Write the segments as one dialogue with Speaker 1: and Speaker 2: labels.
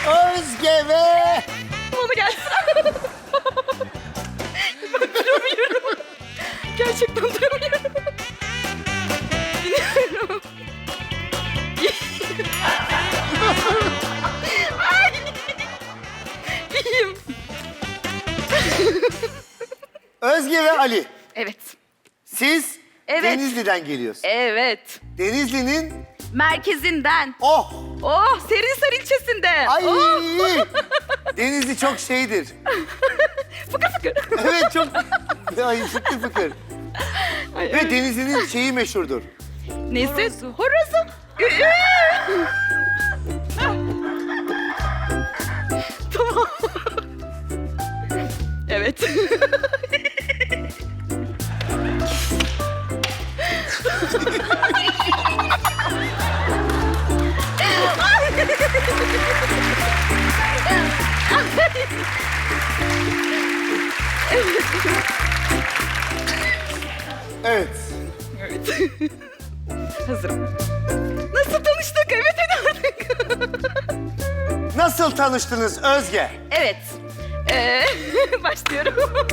Speaker 1: Özge ve...
Speaker 2: Bana gelsin. Ben duramıyorum. Gerçekten duramıyorum. Bilmiyorum. Ay. İyiyim.
Speaker 1: Özge ve Ali.
Speaker 2: Evet.
Speaker 1: Siz
Speaker 2: Evet.
Speaker 1: Denizli'den geliyorsunuz.
Speaker 2: Evet.
Speaker 1: Denizli'nin...
Speaker 2: Merkezinden.
Speaker 1: Oh!
Speaker 2: Oh, Serinsar ilçesinde.
Speaker 1: Ay!
Speaker 2: Oh.
Speaker 1: Denizli çok şeydir.
Speaker 2: Fıkır fıkır.
Speaker 1: Evet çok... Ay fıkır fıkır.
Speaker 2: Ay,
Speaker 1: Ve Denizli'nin şeyi meşhurdur.
Speaker 2: neyse, horozu. Tamam. Evet.
Speaker 1: Evet.
Speaker 2: Evet. Hazırım. Nasıl tanıştık? Evet, hadi artık.
Speaker 1: Nasıl tanıştınız Özge?
Speaker 2: Evet. Başlıyorum.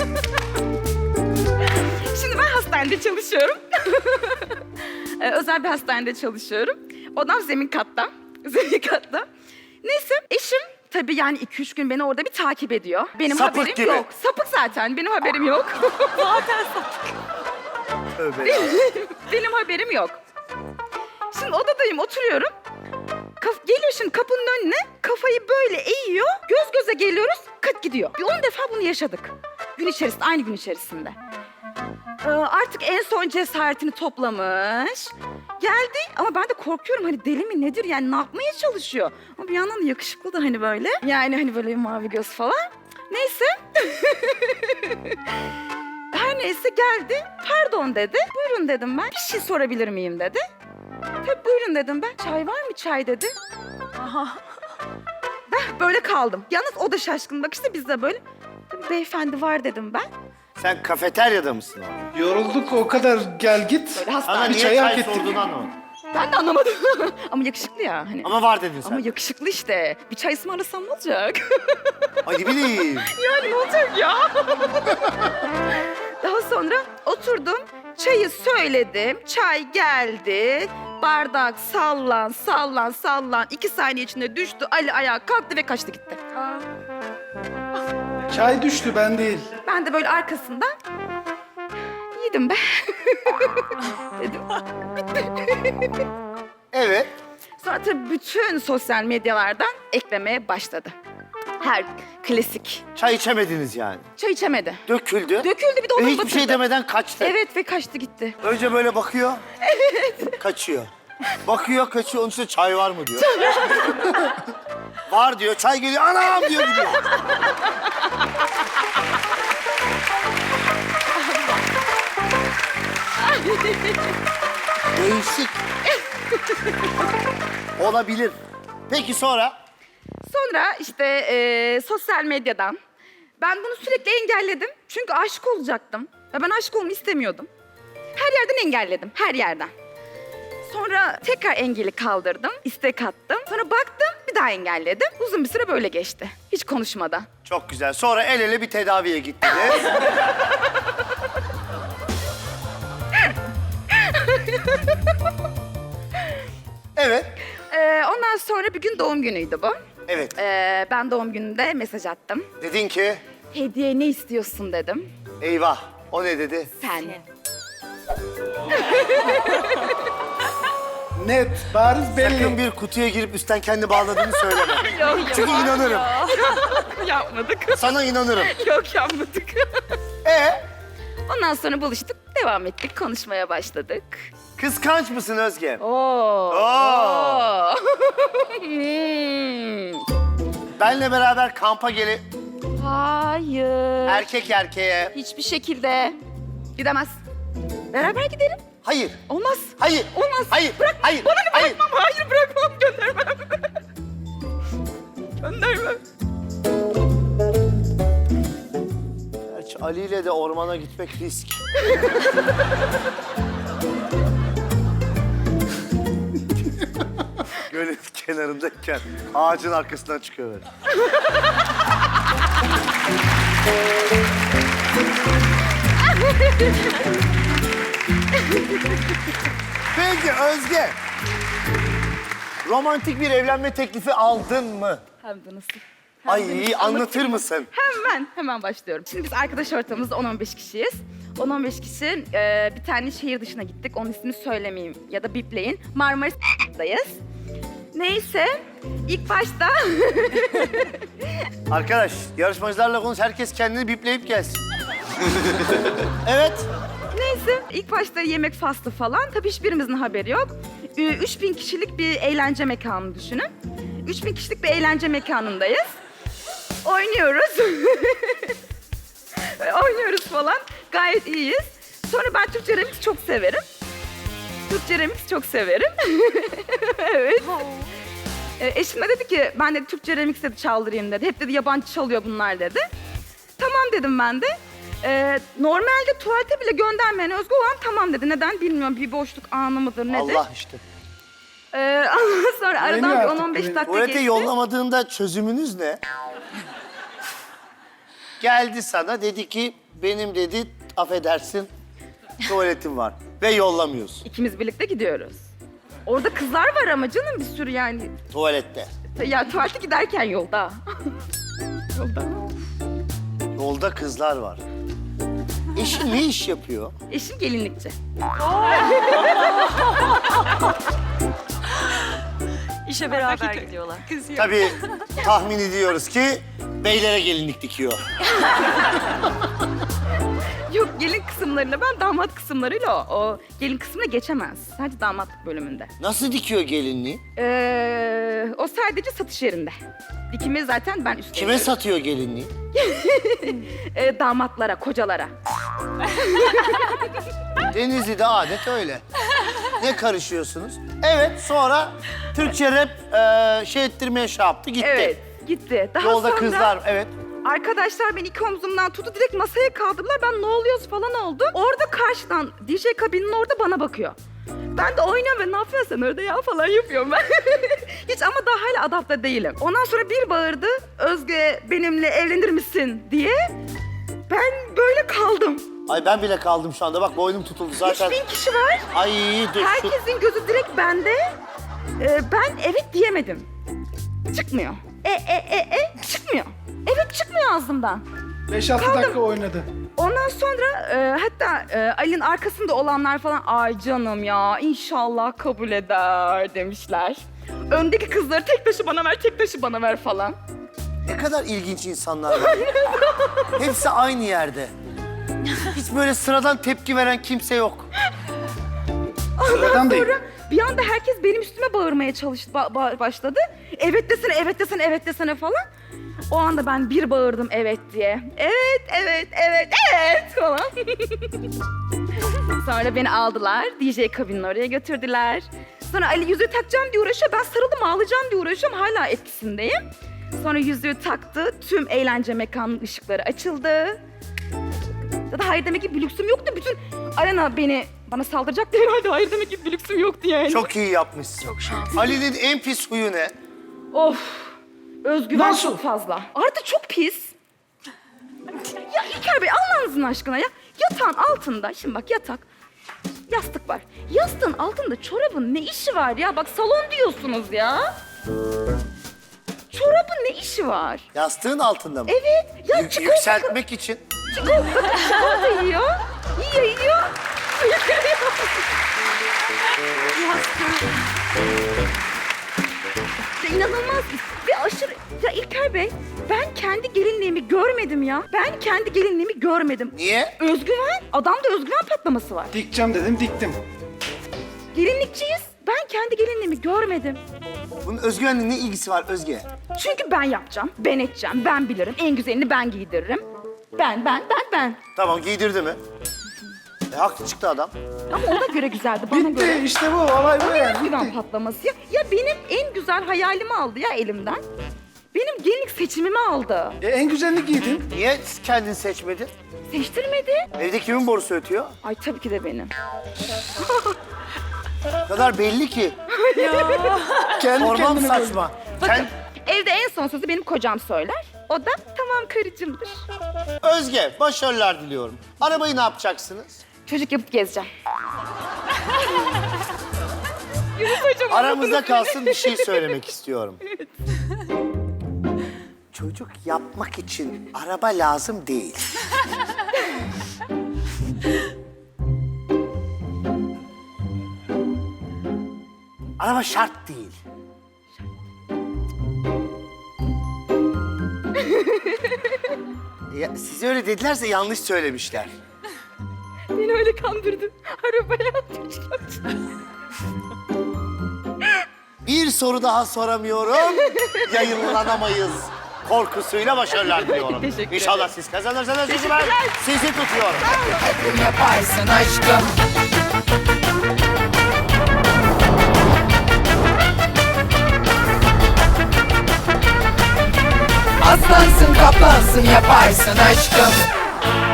Speaker 2: Şimdi ben hastanede çalışıyorum. Özel bir hastanede çalışıyorum. Odam zemin katta. Zemin katta. Neyse eşim tabii yani 2-3 gün beni orada bir takip ediyor. Benim
Speaker 1: Sapık
Speaker 2: haberim
Speaker 1: gibi.
Speaker 2: yok. Sapık zaten. Benim haberim yok. Zaten sapık.
Speaker 1: Tövbe ya.
Speaker 2: Benim haberim yok. Şimdi odadayım, oturuyorum. Geliyor şimdi kapının önüne, kafayı böyle eğiyor. Göz göze geliyoruz, kıt gidiyor. Bir 10 defa bunu yaşadık. Gün içerisinde, aynı gün içerisinde. Artık en son cesaretini toplamış. Geldi ama ben de korkuyorum, hani deli mi nedir yani, ne yapmaya çalışıyor? Ama bir yandan da yakışıklı da hani böyle. Yani hani böyle mavi göz falan. Neyse. Her neyse geldi. Pardon dedi. Buyurun dedim ben. Bir şey sorabilir miyim dedi. Tabii buyurun dedim ben. Çay var mı çay dedi. Aha. Ben böyle kaldım. Yalnız o da şaşkın bakışta, biz de böyle. Tabii beyefendi var dedim ben.
Speaker 1: Sen kafeteryada mısın orada?
Speaker 3: Yorulduk o kadar, gel git.
Speaker 2: Böyle
Speaker 1: Sana
Speaker 2: hastane.
Speaker 1: niye
Speaker 3: çayı hak
Speaker 1: çay
Speaker 3: ettik.
Speaker 1: sorduğunu anlamadım.
Speaker 2: Ben de anlamadım. Ama yakışıklı ya hani.
Speaker 1: Ama var dedin sen.
Speaker 2: Ama yakışıklı işte. Bir çay ısmarlasam ne olacak?
Speaker 1: Ay ne bileyim.
Speaker 2: Yani ne olacak ya? Daha sonra oturdum, çayı söyledim, çay geldi. Bardak sallan, sallan, sallan. 2 saniye içinde düştü, Ali ayağa kalktı ve kaçtı gitti.
Speaker 3: Çay düştü, ben değil.
Speaker 2: Ben de böyle arkasından, yedim be. Dedim.
Speaker 1: Evet.
Speaker 2: Sonra tabii bütün sosyal medyalardan eklemeye başladı. Her klasik.
Speaker 1: Çay içemediniz yani.
Speaker 2: Çay içemedi.
Speaker 1: Döküldü.
Speaker 2: Döküldü, bir de
Speaker 1: Ve
Speaker 2: onu
Speaker 1: hiçbir şey demeden kaçtı.
Speaker 2: Evet ve kaçtı gitti.
Speaker 1: Önce böyle bakıyor. Evet. Kaçıyor. Bakıyor, kaçıyor. Onun üstüne çay var mı diyor. Var diyor. Çay geliyor. Anam diyor gidiyor. Değişik. Olabilir. Peki sonra?
Speaker 2: Sonra işte sosyal medyadan ben bunu sürekli engelledim. Çünkü aşık olacaktım. Ve ben aşık olmayı istemiyordum. Her yerden engelledim, her yerden. Sonra tekrar engeli kaldırdım, istek attım. Sonra baktım, bir daha engelledim. Uzun bir süre böyle geçti. Hiç konuşmadan.
Speaker 1: Çok güzel. Sonra el ele bir tedaviye gittiniz. Evet.
Speaker 2: Ondan sonra bir gün doğum günüydü bu.
Speaker 1: Evet.
Speaker 2: Ben doğum gününde mesaj attım.
Speaker 1: Dedin ki,
Speaker 2: Hediye ne istiyorsun dedim.
Speaker 1: eyvah. O ne dedi?
Speaker 2: Sen.
Speaker 3: Net, bariz belli.
Speaker 1: Sakın bir kutuya girip üstten kendi bağladığını söyleme.
Speaker 2: Yok,
Speaker 1: Çünkü inanırım.
Speaker 2: Yapmadık.
Speaker 1: Sana inanırım.
Speaker 2: Yok, yapmadık.
Speaker 1: Ee,
Speaker 2: Ondan sonra buluştuk, devam ettik, konuşmaya başladık.
Speaker 1: kıskanç mısın Özge?
Speaker 2: Oo.
Speaker 1: Oo.
Speaker 2: Hmm.
Speaker 1: Benle beraber kampa gelip
Speaker 2: Hayır.
Speaker 1: erkek erkeğe...
Speaker 2: Hiçbir şekilde gidemez. Beraber gidelim.
Speaker 1: Hayır,
Speaker 2: Olmaz.
Speaker 1: hayır,
Speaker 2: Olmaz.
Speaker 1: hayır,
Speaker 2: Bırak.
Speaker 1: hayır,
Speaker 2: Bana ne,
Speaker 1: hayır.
Speaker 2: bırakmam. Hayır, bırakmam. Göndermem. Göndermem.
Speaker 1: Gerçi Ali ile de ormana gitmek risk. Gölün kenarı. kenarındayken ağacın arkasından çıkıyor böyle. Peki Özge. Romantik bir evlenme teklifi aldın mı?
Speaker 2: Hem de nasıl?
Speaker 1: Ay anlatır mısın?
Speaker 2: Hemen başlıyorum. Şimdi biz arkadaş ortamımızda 10-15 kişiyiz. 10-15 kişi bir tane şehir dışına gittik. Onun ismini söylemeyeyim ya da bipleyin. Marmaris'tayız. Neyse ilk başta
Speaker 1: Arkadaş yarışmacılarla konuş. Herkes kendini bipleyip gelsin. Evet.
Speaker 2: neyse ilk başta yemek faslı falan. Tabii hiçbirimizin haberi yok. 3000 kişilik bir eğlence mekanı düşünün. 3000 kişilik bir eğlence mekanındayız. Oynuyoruz. Oynuyoruz falan. Gayet iyiyiz. Sonra ben Türkçe remix çok severim. Türkçe remix çok severim. Evet. Eşim de dedi ki ben de Türkçe remix dedi çaldırayım dedi. Hep dedi yabancı çalıyor bunlar dedi. Tamam dedim ben de. Normalde tuvalete bile göndermeyen Özgü olan tamam dedi. Neden bilmiyorum. Bir boşluk anı mıdır nedir?
Speaker 1: Allah işte.
Speaker 2: Ondan sonra aradan
Speaker 3: Güveniyor
Speaker 2: bir
Speaker 3: artık,
Speaker 2: 10-15
Speaker 3: güveniyor.
Speaker 2: dakika
Speaker 1: Tuvalete
Speaker 2: geçti.
Speaker 1: yollamadığında çözümünüz ne? Geldi sana dedi ki benim dedi affedersin tuvaletim var ve yollamıyorsun
Speaker 2: İkimiz birlikte gidiyoruz. Orada kızlar var ama canım bir sürü yani.
Speaker 1: tuvalette.
Speaker 2: Ya tuvalete giderken yolda. Yolda.
Speaker 1: Yolda kızlar var. Eşin ne iş yapıyor?
Speaker 2: Eşim gelinlikçi.
Speaker 4: İşe beraber gidiyorlar.
Speaker 1: Tabii tahmin ediyoruz ki beylere gelinlik dikiyor.
Speaker 2: Yok gelin kısımlarıyla ben damat kısımlarıyla o gelin kısmına geçemez. Sadece damatlık bölümünde.
Speaker 1: Nasıl dikiyor gelinliği?
Speaker 2: O sadece satış yerinde. Dikimi zaten ben üstleniyorum.
Speaker 1: Kime satıyor gelinliği?
Speaker 2: Damatlara, kocalara.
Speaker 1: Denizli'de adet öyle. Ne karışıyorsunuz? Evet sonra Türkçe rap şey ettirmeye şey yaptı gitti.
Speaker 2: Evet, gitti. Daha
Speaker 1: Yolda
Speaker 2: sonra
Speaker 1: kızlar evet.
Speaker 2: arkadaşlar beni iki omzumdan tuttu. Direkt masaya kaldırdılar. Ben ne oluyoruz falan oldu. Orada karşıdan DJ kabinin orada bana bakıyor. Ben de oynuyorum ve ne yapıyorsun sen orada ya falan yapıyorum ben. Hiç ama daha hala adapte değilim. Ondan sonra bir bağırdı. Özge benimle evlenir misin diye. Ben böyle kaldım.
Speaker 1: Ay ben bile kaldım şu anda bak boynum tutuldu zaten.
Speaker 2: 3000 kişi var.
Speaker 1: Ay dur şu...
Speaker 2: Herkesin gözü direkt bende. Ben evet diyemedim. Çıkmıyor. Çıkmıyor. Evet çıkmıyor ağzımdan.
Speaker 3: 5-6 dakika oynadı.
Speaker 2: Ondan sonra hatta Ali'nin arkasında olanlar falan ay canım ya inşallah kabul eder demişler. Öndeki kızları tek taşı bana ver, tek taşı bana ver falan.
Speaker 1: Ne kadar ilginç insanlar var. Hepsi aynı yerde. Hiç böyle sıradan tepki veren kimse yok.
Speaker 3: Sıradan değil.
Speaker 2: Sonra bir anda herkes benim üstüme bağırmaya başladı. Evet desene, evet desene, evet desene falan. O anda ben bir bağırdım evet diye. Evet, evet, evet, evet falan. Sonra beni aldılar, DJ kabinin oraya götürdüler. Sonra Ali yüzüğü takacağım diye uğraşıyor. Ben sarıldım ağlayacağım diye uğraşıyorum. Hala etkisindeyim. Sonra yüzüğü taktı. Tüm eğlence mekanının ışıkları açıldı. Ya da hayır demek ki bir lüksüm yoktu. Bütün arena bana saldıracaktı herhalde. Hayır demek ki bir lüksüm yoktu yani.
Speaker 1: Çok iyi yapmışsın.
Speaker 4: Çok şanslı.
Speaker 1: Ali'nin en pis huyu ne?
Speaker 2: Of. Özgüven
Speaker 3: Nasıl?
Speaker 2: çok fazla. Artı çok pis. Ya İlker Bey Allah'ınızın aşkına ya. Yatağın altında, şimdi bak yatak, yastık var. Yastığın altında çorabın ne işi var ya? Bak salon diyorsunuz ya. Çorabın ne işi var?
Speaker 1: Yastığın altında mı?
Speaker 2: Evet. Ya
Speaker 1: Yükseltmek için.
Speaker 2: Çikolata yiyor. Yiyor. Ya inanılmaz ve aşırı... Ya İlker Bey, ben kendi gelinliğimi görmedim ya. Ben kendi gelinliğimi görmedim.
Speaker 1: Niye?
Speaker 2: Özgüven, adamda özgüven patlaması var.
Speaker 3: Dikeceğim dedim, diktim.
Speaker 2: Gelinlikçiyiz, ben kendi gelinliğimi görmedim.
Speaker 1: Bunun özgüvenle ne ilgisi var Özge?
Speaker 2: Çünkü ben yapacağım, ben edeceğim, ben bilirim. En güzelini ben giydiririm. Ben.
Speaker 1: Tamam giydirdi mi? Haklı çıktı adam.
Speaker 2: Ama ona göre güzeldi, bana
Speaker 3: Bitti,
Speaker 2: göre.
Speaker 3: işte bu. Olay bu yani.
Speaker 2: Özgüven
Speaker 3: Bitti.
Speaker 2: patlaması ya. Ya benim en güzel hayalimi aldı ya elimden. Benim gelinlik seçimimi aldı.
Speaker 3: En güzelini giydin.
Speaker 1: Niye kendin seçmedin?
Speaker 2: Seçtirmedi.
Speaker 1: Evde kimin borusu ötüyor?
Speaker 2: Ay tabii ki de benim.
Speaker 1: O kadar belli ki.
Speaker 3: Kendi
Speaker 1: Sormam
Speaker 3: kendine böyle.
Speaker 1: saçma.
Speaker 2: Bakın evde en son sözü benim kocam söyler. O da tamam karıcığımdır.
Speaker 1: Özge, başarılar diliyorum. Arabayı ne yapacaksınız?
Speaker 2: Çocuk yapıp gezeceğim.
Speaker 1: Aramızda kalsın bir şey söylemek istiyorum. Çocuk yapmak için araba lazım değil. Araba şart değil. Ya, size öyle dedilerse yanlış söylemişler.
Speaker 2: Beni öyle kandırdın. Arabaya atmışlar.
Speaker 1: Bir soru daha soramıyorum. Yayınlanamayız. Korkusuyla başarılar diliyorum.
Speaker 2: Teşekkür ederim.
Speaker 1: İnşallah siz kazanırsınız. Çünkü ben sizi tutuyorum.
Speaker 5: Yaparsın aşkım. Aslansın kaplansın yaparsın aşkım.